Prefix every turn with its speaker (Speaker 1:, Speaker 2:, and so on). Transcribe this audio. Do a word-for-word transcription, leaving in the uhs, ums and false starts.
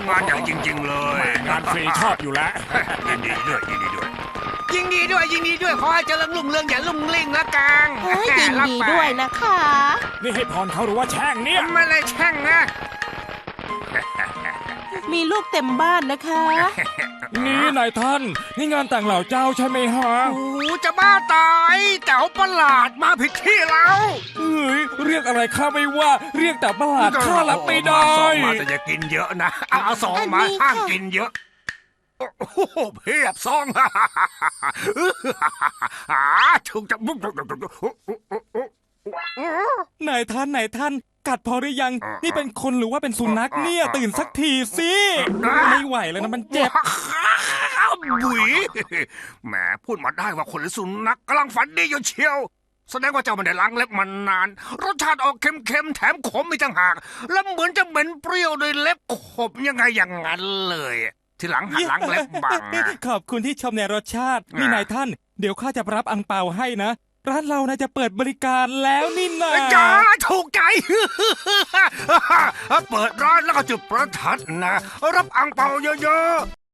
Speaker 1: งานใหญ่จริงๆเลย
Speaker 2: งานฟรีชอบอยู่แล้ว
Speaker 1: ยินดีด้วยยินดีด้วยยินดีด้วยยินดีด้วยขอให้เจริญรุ่งเรืองอย่าลุ่งลิ่งละกัง
Speaker 3: เฮ้ยยินดีด้วยนะคะ
Speaker 2: นี่ให้พรเขาหรือว่าแช่งเนี่ย
Speaker 1: ไม่เลยแช่งนะ
Speaker 3: มีลูกเต็มบ้านนะคะ
Speaker 2: นี่นายท่านนี่งานแต่งเหล่าเจ้าใช่ไหมฮะ
Speaker 1: โอ้จะบ้าตายแต่วประหลาดมาผิดที่แล้ว
Speaker 2: เฮ้ยเรียกอะไรข้าไม่ว่าเรียกแต่ประหลาดข้ารับไม่ได้
Speaker 1: สองมาแต่อย่ากินเยอะนะเอาเอาสองมาห้ามกินเยอะโอ้โหเพียบซองอ่าถูกจับ
Speaker 2: นายท่านนายท่านกัดพอหรือยังนี่เป็นคนหรือว่าเป็นสุนัขเนี่ยตื่นสักทีสิไม่ไหวแล้วนะมันเจ็บ
Speaker 1: บุ๋ยแหมพูดมาได้ว่าคนหรือสุนัขกำลังฝันดีอยู่เชียวแสดงว่าเจ้าไม่ได้ล้างเล็บมานานรสชาติออกเค็มๆแถมขมอีกต่างหากแล้วเหมือนจะเหม็นเปรี้ยวโดยเล็บขบยังไงอย่างนั้นเลยทีหลังหัดล้างเล็บบ้างนะ
Speaker 2: ขอบคุณที่ชมในรสชาตินี่นายท่านเดี๋ยวข้าจะรับอังเปาให้นะร้านเรานะจะเปิดบริการแล้วนี่นะ
Speaker 1: จ้าถูกใจ เปิดร้านแล้วก็จุดประทัดนะรับอังเปาเยอะๆ